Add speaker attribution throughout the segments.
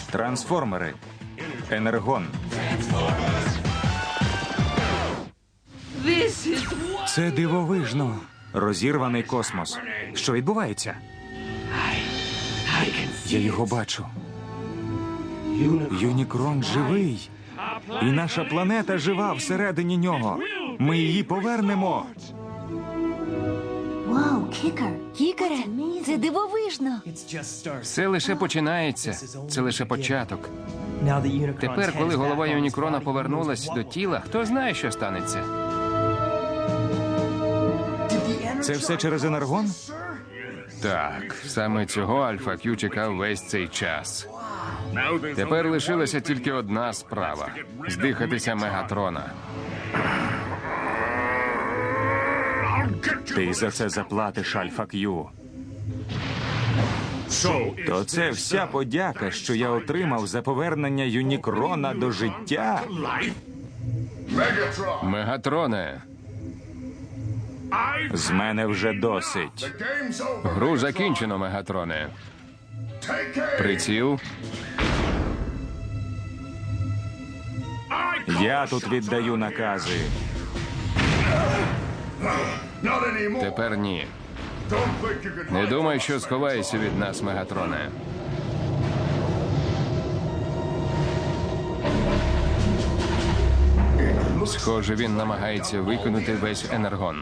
Speaker 1: Трансформери. Енергон. Це дивовижно. Розірваний космос. Що відбувається? Я його бачу. Юнікрон живий. І наша планета жива всередині нього. Ми її повернемо.
Speaker 2: Кікере, це дивовижно.
Speaker 3: Все лише починається. Це лише початок. Тепер, коли голова Юнікрона повернулась до тіла, хто знає, що станеться?
Speaker 1: Це все через енергон?
Speaker 3: Так, саме цього Альфа Кью чекав весь цей час. Тепер лишилася тільки одна справа – здихатися Мегатрона.
Speaker 1: Ти за це заплатиш, Альфа Кью. То це вся подяка, що я отримав за повернення Юнікрона до життя?
Speaker 3: Мегатроне,
Speaker 1: З мене вже досить.
Speaker 3: гру закінчено, Мегатроне. Приціл.
Speaker 1: Я тут віддаю накази.
Speaker 3: Тепер ні. Не думай, що сховаєшся від нас, Мегатроне. Схоже, він намагається викинути весь енергон.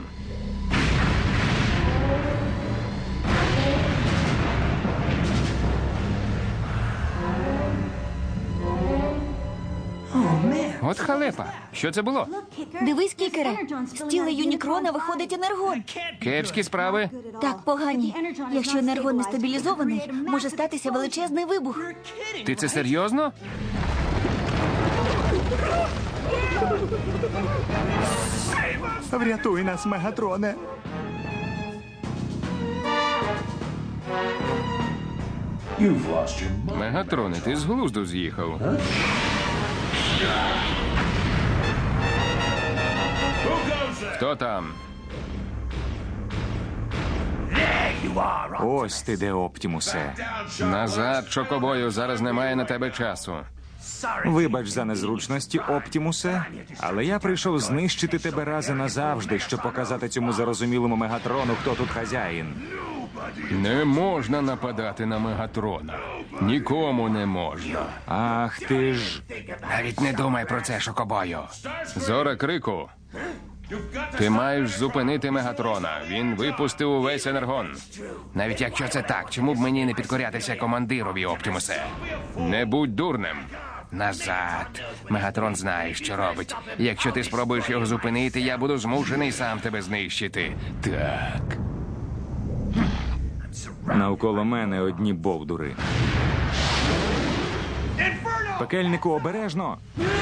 Speaker 3: От халепа. Що це було?
Speaker 2: Дивись, Кікере, з тіла Юнікрона виходить енергон.
Speaker 3: Кепські справи?
Speaker 2: Так, погані. Якщо енергон не стабілізований, може статися величезний вибух.
Speaker 3: Ти це серйозно?
Speaker 1: Врятуй нас, Мегатроне.
Speaker 3: Мегатроне, ти з глузду з'їхав. Хто там?
Speaker 1: Ось ти де, Оптімусе.
Speaker 3: Назад, Чокобою, зараз немає на тебе часу.
Speaker 1: Вибач за незручності, Оптімусе, але я прийшов знищити тебе раз і назавжди, щоб показати цьому зарозумілому Мегатрону, хто тут хазяїн.
Speaker 3: Не можна нападати на Мегатрона. Нікому не можна.
Speaker 1: Ах ти ж.
Speaker 3: Навіть не думай про це, Шокобою. Зора Крику. Ти маєш зупинити Мегатрона. Він випустив увесь енергон. Навіть якщо це так, чому б мені не підкорятися командирові, Оптімусе? Не будь дурним. Назад. Мегатрон знає, що робить. Якщо ти спробуєш його зупинити, я буду змушений сам тебе знищити. Так.
Speaker 1: Навколо мене одні бовдури. Пекельнику, обережно.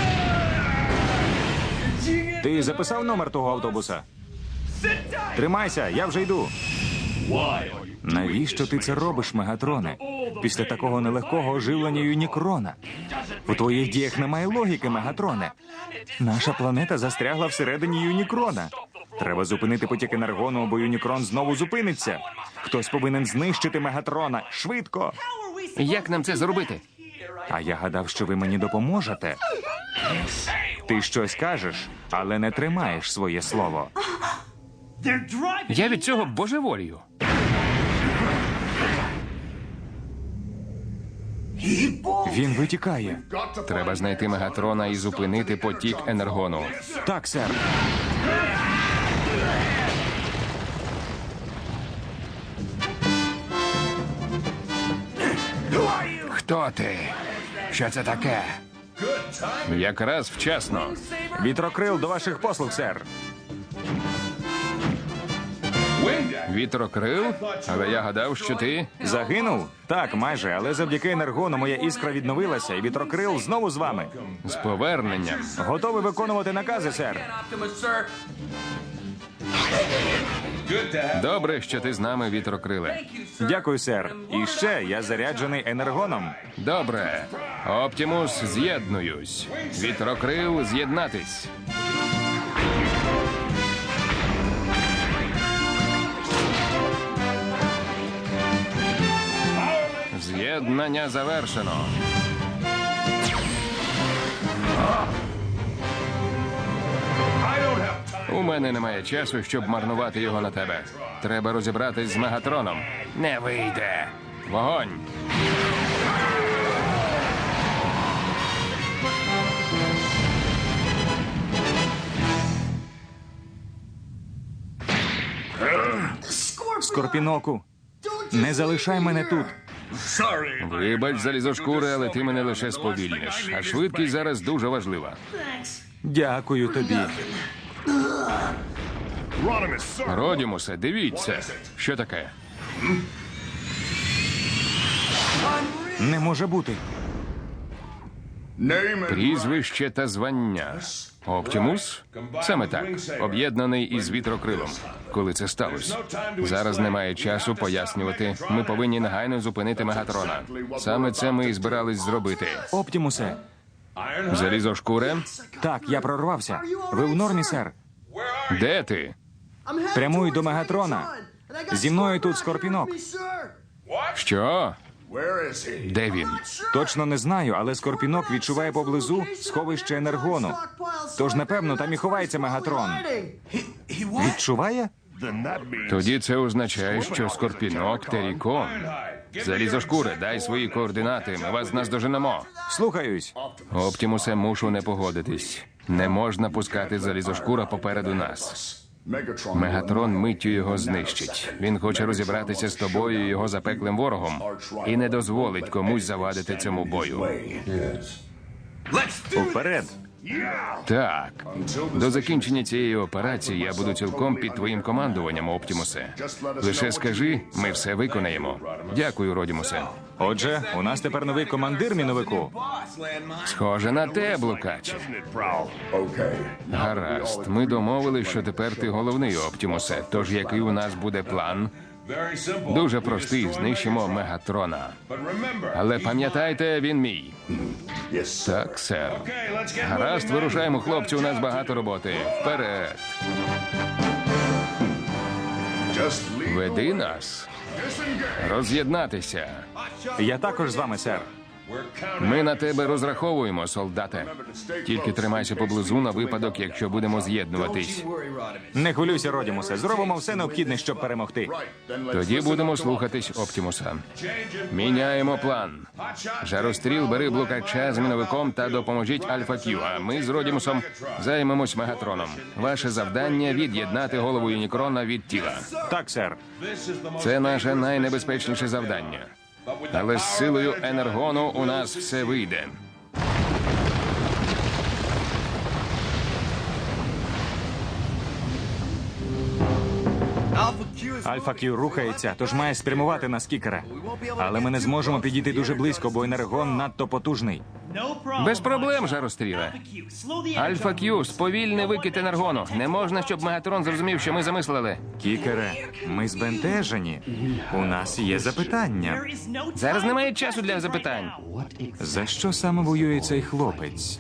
Speaker 1: Ти записав номер того автобуса? Тримайся, я вже йду. Навіщо ти це робиш, Мегатроне? Після такого нелегкого оживлення Юнікрона. У твоїх діях немає логіки, Мегатроне. Наша планета застрягла всередині Юнікрона. Треба зупинити потік енергону, або Юнікрон знову зупиниться. Хтось повинен знищити Мегатрона. Швидко!
Speaker 3: Як нам це зробити?
Speaker 1: А я гадав, що ви мені допоможете. Ти щось кажеш, але не тримаєш своє слово.
Speaker 3: Я від цього божеволію.
Speaker 1: Він витікає.
Speaker 3: Треба знайти Мегатрона і зупинити потік енергону.
Speaker 1: Так, сер.
Speaker 3: Хто ти? Що це таке? Якраз вчасно.
Speaker 1: Вітрокрил до ваших послуг, сер.
Speaker 3: Вітрокрил? Але я гадав, що ти...
Speaker 1: Загинув? Так, майже, але завдяки енергону моя іскра відновилася, і вітрокрил знову з вами.
Speaker 3: З поверненням.
Speaker 1: Готовий виконувати накази, сер.
Speaker 3: Добре, що ти з нами, Вітрокриле.
Speaker 1: Дякую, сер. І ще я заряджений енергоном.
Speaker 3: Добре. Оптімус, з'єднуюсь. Вітрокрил, з'єднатись. З'єднання завершено. У мене немає часу, щоб марнувати його на тебе. Треба розібратись з Мегатроном. Не вийде. Вогонь!
Speaker 1: Скорпіноку, не залишай мене тут.
Speaker 3: Вибач, залізошкури, але ти мене лише сповільниш. А швидкість зараз дуже важлива.
Speaker 1: Дякую тобі.
Speaker 3: Родімусе, дивіться. Що таке?
Speaker 1: Не може бути.
Speaker 3: Прізвище та звання. Оптімус? Саме так. Об'єднаний із вітрокрилом. Коли це сталося? Зараз немає часу пояснювати. Ми повинні негайно зупинити Мегатрона. Саме це ми і збирались зробити.
Speaker 1: Оптімусе.
Speaker 3: Залізошкуре?
Speaker 1: Так, я прорвався. Ви в нормі, сер?
Speaker 3: Де ти?
Speaker 1: Прямуй до Мегатрона. Зі мною тут Скорпінок.
Speaker 3: Що? Де він?
Speaker 1: Точно не знаю, але Скорпінок відчуває поблизу сховище енергону. Тож, напевно, там і ховається Мегатрон. Відчуває?
Speaker 3: Тоді це означає, що Скорпінок Терікон. Залізошкуре, дай свої координати, ми вас наздоженемо.
Speaker 1: Слухаюсь.
Speaker 3: Оптімусе, мушу не погодитись. Не можна пускати залізошкура попереду нас. Мегатрон миттю його знищить. Він хоче розібратися з тобою і його запеклим ворогом. І не дозволить комусь завадити цьому бою.
Speaker 1: Уперед.
Speaker 3: Так. До закінчення цієї операції я буду цілком під твоїм командуванням, Оптімусе. Лише скажи, ми все виконаємо. Дякую, Родімусе.
Speaker 1: Отже, у нас тепер новий командир, міновику.
Speaker 3: Схоже на те, блукаче. Гаразд, ми домовились, що тепер ти головний, Оптімусе. Тож який у нас буде план? Дуже простий, знищимо Мегатрона. Але пам'ятайте, він мій. Так, сер. Гаразд, вирушаємо, хлопці, у нас багато роботи. Вперед. Веди нас. Роз'єднатися.
Speaker 1: Я також з вами, сер.
Speaker 3: Ми на тебе розраховуємо, солдате. Тільки тримайся поблизу на випадок, якщо будемо з'єднуватись.
Speaker 1: Не хвилюйся, Родімусе. Зробимо все необхідне, щоб перемогти.
Speaker 3: Тоді будемо слухатись Оптімуса. Міняємо план. Жаростріл, бери блукача з міновиком та допоможіть Альфа Кью, а ми з Родімусом займемось Мегатроном. Ваше завдання – від'єднати голову Юнікрона від тіла.
Speaker 1: Так, сер.
Speaker 3: Це наше найнебезпечніше завдання. Але з силою енергону у нас все вийде.
Speaker 1: Альфа Кью рухається, тож має спрямувати на Скікера. Але ми не зможемо підійти дуже близько, бо енергон надто потужний.
Speaker 3: Без проблем, Жаростріле. Альфа Кью, сповільни викид енергону. Не можна, щоб Мегатрон зрозумів, що ми замислили.
Speaker 1: Кікере, ми збентежені. У нас є запитання.
Speaker 3: Зараз немає часу для запитань.
Speaker 1: За що саме воює цей хлопець?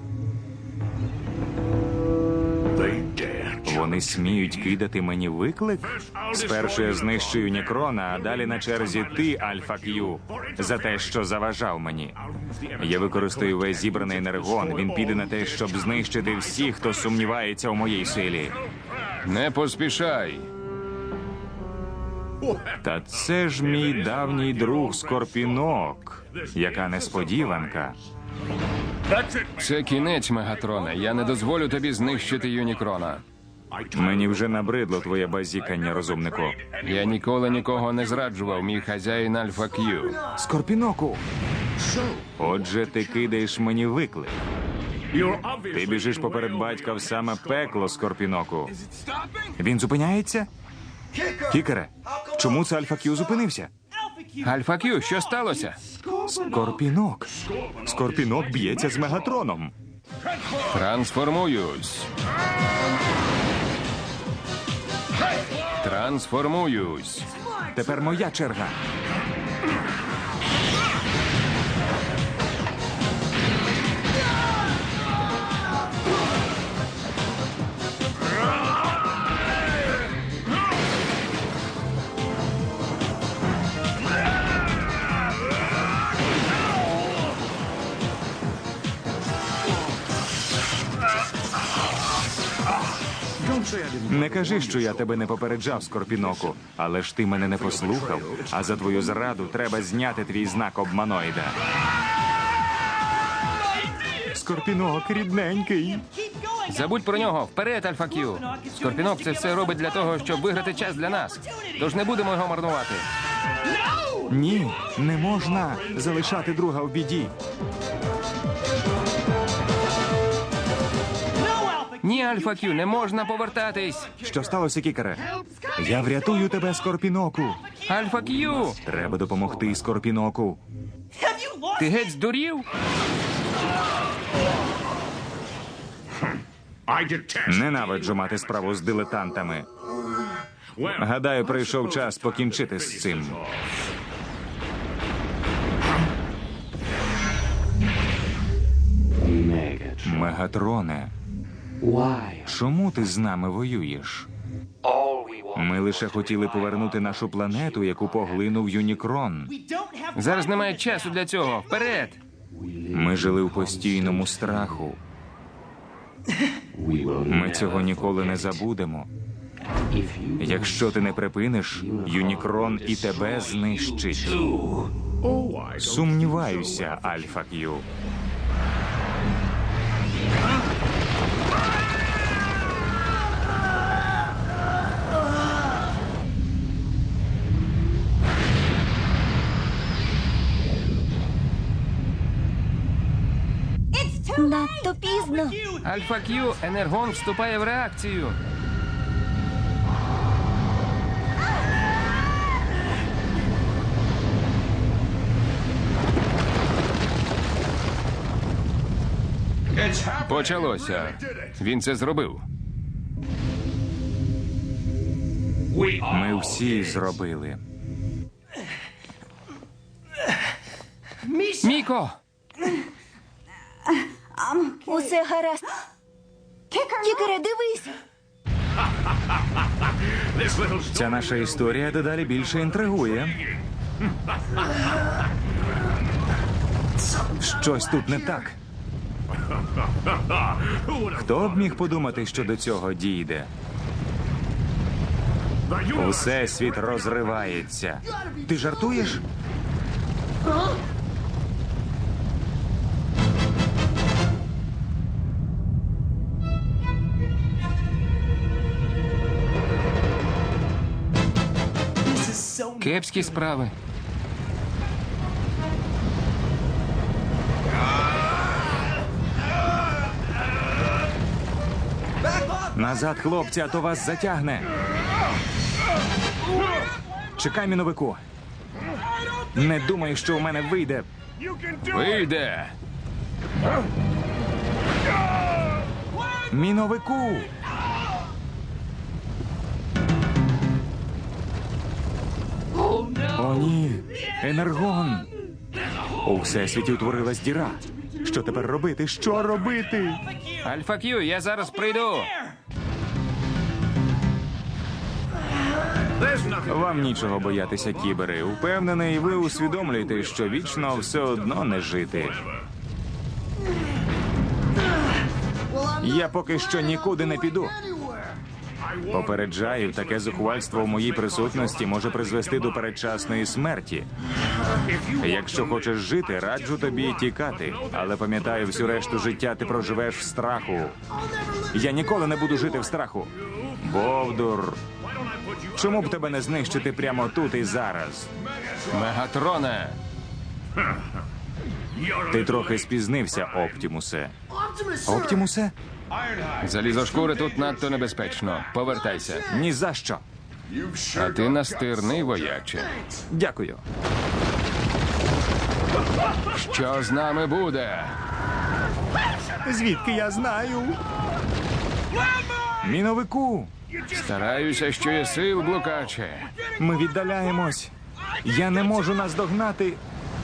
Speaker 1: Вони сміють кидати мені виклик? Спершу я знищу Юнікрона, а далі на черзі ти, Альфа Кью, за те, що заважав мені. Я використаю весь зібраний енергон. Він піде на те, щоб знищити всіх, хто сумнівається у моїй силі.
Speaker 3: Не поспішай.
Speaker 1: Та це ж мій давній друг Скорпінок. Яка несподіванка.
Speaker 3: Це кінець, Мегатрона. Я не дозволю тобі знищити Юнікрона.
Speaker 1: Мені вже набридло твоє базікання, розумнику.
Speaker 3: Я ніколи нікого не зраджував, мій хазяїн Альфа Кью.
Speaker 1: Скорпіноку! Отже, ти кидаєш мені виклик. Ти біжиш поперед батька в саме пекло, Скорпіноку. Він зупиняється? Кікере, чому це Альфа Кью зупинився?
Speaker 3: Альфа Кью, що сталося?
Speaker 1: Скорпінок. Скорпінок б'ється з Мегатроном.
Speaker 3: Трансформуюсь. Трансформуюсь.
Speaker 1: Тепер моя черга. Не кажи, що я тебе не попереджав, Скорпіноку, але ж ти мене не послухав, а за твою зраду треба зняти твій знак обманоїда. Скорпінок, рідненький.
Speaker 3: Забудь про нього. Вперед, Альфа Кью. Скорпінок це все робить для того, щоб виграти час для нас. Тож не будемо його марнувати.
Speaker 1: Ні, не можна залишати друга в біді.
Speaker 3: Ні, Альфа Кью, не можна повертатись.
Speaker 1: Що сталося, Кікере? Я врятую тебе, Скорпіноку.
Speaker 3: Альфа Кью!
Speaker 1: Треба допомогти Скорпіноку.
Speaker 3: Ти геть здурів?
Speaker 1: Ненавиджу мати справу з дилетантами. Гадаю, прийшов час покінчити з цим. Мегатроне, чому ти з нами воюєш? Ми лише хотіли повернути нашу планету, яку поглинув Юнікрон.
Speaker 3: Зараз немає часу для цього. Вперед!
Speaker 1: Ми жили у постійному страху. Ми цього ніколи не забудемо. Якщо ти не припиниш, Юнікрон і тебе знищить. Сумніваюся, Альфа Кью.
Speaker 2: Надто пізно.
Speaker 3: Альфа Кью, енергон вступає в реакцію. Почалося. Він це зробив.
Speaker 1: Ми всі зробили.
Speaker 3: Міко!
Speaker 2: Усе гаразд. Кікере, дивись.
Speaker 1: Ця наша історія дедалі більше інтригує. Щось тут не так. Хто б міг подумати, що до цього дійде? Усесвіт розривається. Ти жартуєш?
Speaker 3: Кепські справи.
Speaker 1: Назад, хлопці, а то вас затягне. Чекай, міновику. Не думай, що у мене вийде.
Speaker 3: Вийде!
Speaker 1: Міновику! О, ні! Енергон! У всесвіті утворилась діра. Що тепер робити? Що робити?
Speaker 3: Альфа Кью, я зараз прийду.
Speaker 1: Вам нічого боятися, кібери. Упевнений, ви усвідомлюєте, що вічно все одно не жити. Я поки що нікуди не піду. Попереджаю, таке зухвальство в моїй присутності може призвести до передчасної смерті. Якщо хочеш жити, раджу тобі тікати. Але пам'ятай, всю решту життя ти проживеш в страху. Я ніколи не буду жити в страху. Бовдур. Чому б тебе не знищити прямо тут і зараз?
Speaker 3: Мегатроне!
Speaker 1: Ти трохи спізнився, Оптімусе. Оптімусе?
Speaker 3: Залізошкури тут надто небезпечно. Повертайся.
Speaker 1: Ні за що.
Speaker 3: А ти настирний, вояче.
Speaker 1: Дякую.
Speaker 3: Що з нами буде?
Speaker 1: Звідки я знаю? Міновику!
Speaker 3: Стараюся, що є сил, блукаче.
Speaker 1: Ми віддаляємось. Я не можу наздогнати.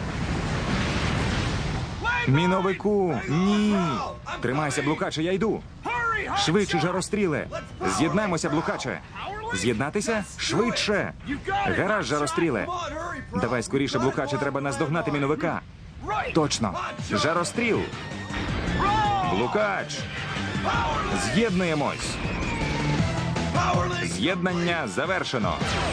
Speaker 1: Міновику, ні. Тримайся, блукаче, я йду. Швидше, жаростріле. З'єднаймося, блукаче. З'єднатися? Швидше. Гаразд, жаростріле. Давай скоріше, блукаче, треба наздогнати міновика. Точно. Жаростріл. Блукач. З'єднуємось. З'єднання завершено.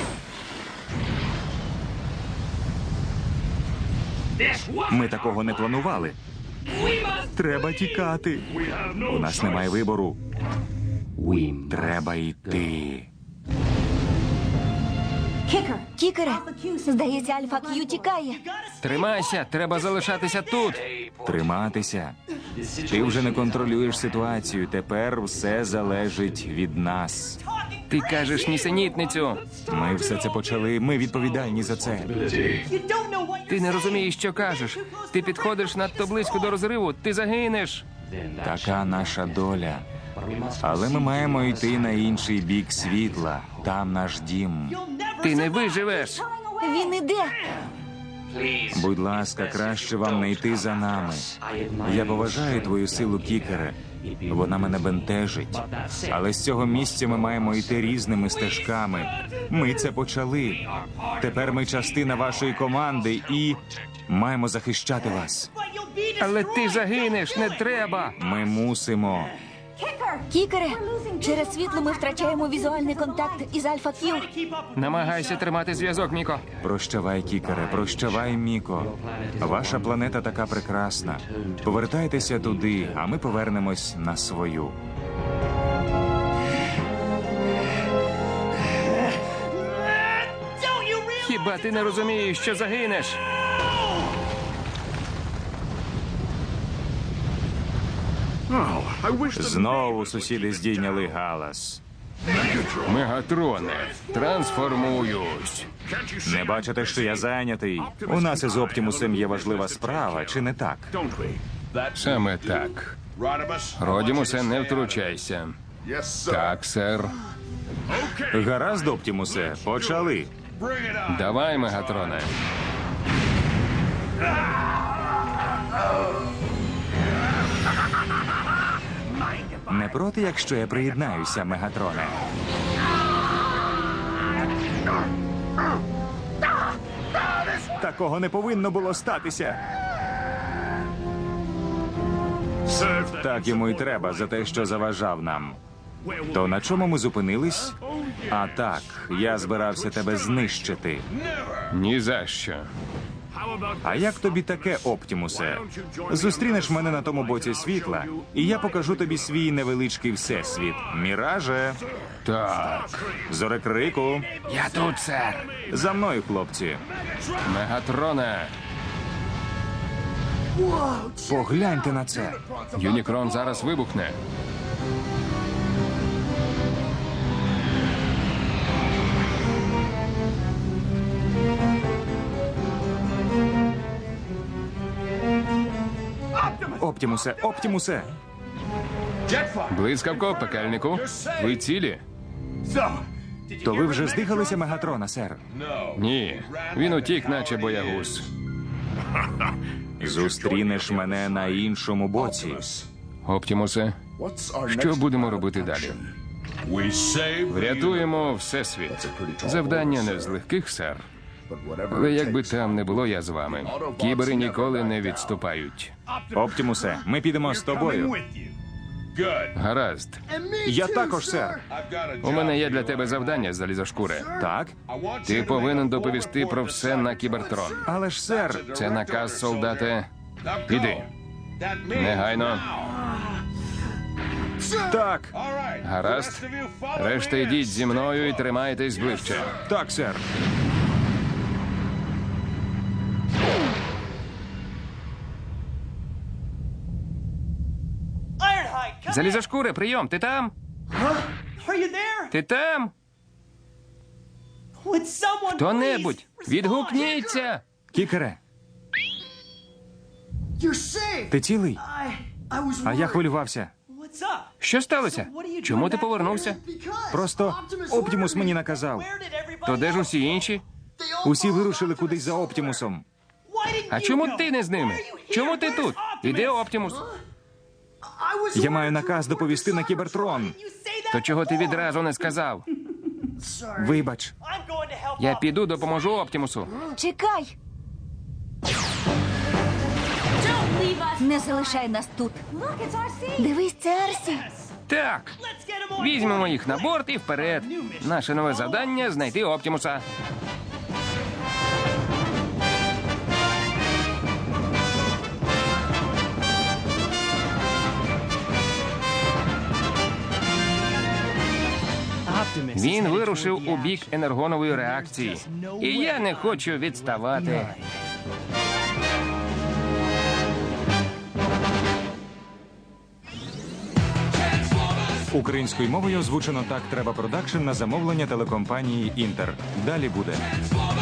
Speaker 1: Ми такого не планували. Треба тікати. У нас немає вибору. Треба йти.
Speaker 2: Кікере, здається, Альфа Кью тікає.
Speaker 3: Тримайся, треба залишатися тут.
Speaker 1: Триматися. Ти вже не контролюєш ситуацію. Тепер все залежить від нас.
Speaker 3: Ти кажеш нісенітницю.
Speaker 1: Ми все це почали. Ми відповідальні за це.
Speaker 3: Ти не розумієш, що кажеш. Ти підходиш надто близько до розриву, ти загинеш.
Speaker 1: Така наша доля. Але ми маємо йти на інший бік світла. Там наш дім.
Speaker 3: Ти не виживеш.
Speaker 2: Він іде.
Speaker 1: Будь ласка, краще вам не йти за нами. Я поважаю твою силу, Кікере. Вона мене бентежить. Але з цього місця ми маємо йти різними стежками. Ми це почали. Тепер ми частина вашої команди і маємо захищати вас.
Speaker 3: Але ти загинеш, не треба.
Speaker 1: Ми мусимо.
Speaker 2: Кікере, через світло ми втрачаємо візуальний контакт із Альфа Кью.
Speaker 3: Намагайся тримати зв'язок, Міко.
Speaker 1: Прощавай, Кікере, прощавай, Міко. Ваша планета така прекрасна. Повертайтеся туди, а ми повернемось на свою.
Speaker 3: Хіба ти не розумієш, що загинеш?
Speaker 1: Знову сусіди здійняли галас.
Speaker 3: Мегатроне, трансформуюсь.
Speaker 1: Не бачите, що я зайнятий? У нас із Оптімусом є важлива справа, чи не так?
Speaker 3: Саме так. Родімусе, не втручайся. Так, сер.
Speaker 1: Гаразд, Оптімусе, почали.
Speaker 3: Давай, Мегатроне.
Speaker 1: Не проти, якщо я приєднаюся, Мегатроне? Такого не повинно було статися. Так йому й треба за те, що заважав нам. То на чому ми зупинились? А так, я збирався тебе знищити.
Speaker 3: Ні за що.
Speaker 1: А як тобі таке, Оптімусе? Зустрінеш мене на тому боці світла, і я покажу тобі свій невеличкий всесвіт. Міраже,
Speaker 3: Так.
Speaker 1: Зорекрику,
Speaker 3: Я тут, сер.
Speaker 1: за мною, хлопці.
Speaker 3: Мегатроне.
Speaker 1: Погляньте на це.
Speaker 3: Юнікрон зараз вибухне.
Speaker 1: Оптімусе, Оптімусе!
Speaker 3: Блискавко, пекельнику. Ви цілі?
Speaker 1: То ви вже здихалися Мегатрона, сер?
Speaker 3: Ні. Він утік, наче боягуз.
Speaker 1: Зустрінеш мене на іншому боці.
Speaker 3: Оптімусе, що будемо робити далі? Врятуємо Всесвіт. Завдання не з легких, сер. Але як би там не було, я з вами. Кібери ніколи не відступають.
Speaker 1: Оптімусе, ми підемо з тобою.
Speaker 3: Гаразд.
Speaker 1: Я також, сер.
Speaker 3: У мене є для тебе завдання, залізошкуре.
Speaker 1: Так?
Speaker 3: Ти повинен доповісти про все на Кібертрон.
Speaker 1: Але ж, сер,
Speaker 3: Це наказ, солдате. Іди. Негайно.
Speaker 1: так,
Speaker 3: Гаразд. Решта йдіть зі мною і тримайтесь ближче.
Speaker 1: так, сер.
Speaker 3: Залізошкуре, прийом, ти там? Ти там? Хто-небудь, відгукніться!
Speaker 1: Кікере, ти цілий? А я хвилювався.
Speaker 3: Що сталося? Чому ти повернувся?
Speaker 1: Просто Оптімус мені наказав.
Speaker 3: То де ж усі інші?
Speaker 1: Усі вирушили кудись за Оптімусом.
Speaker 3: А чому ти не з ними? Чому ти тут? Іде Оптімус.
Speaker 1: Я маю наказ доповісти на Кібертрон.
Speaker 3: То чого ти відразу не сказав?
Speaker 1: Вибач.
Speaker 3: Я піду, допоможу Оптімусу.
Speaker 2: Чекай! Не залишай нас тут. Дивись, це Арсі.
Speaker 3: Так. Візьмемо їх на борт і вперед. Наше нове завдання — знайти Оптімуса. Він вирушив у бік енергонової реакції. І я не хочу відставати.
Speaker 1: Українською мовою озвучено «Так треба продакшн» на замовлення телекомпанії «Інтер». Далі буде.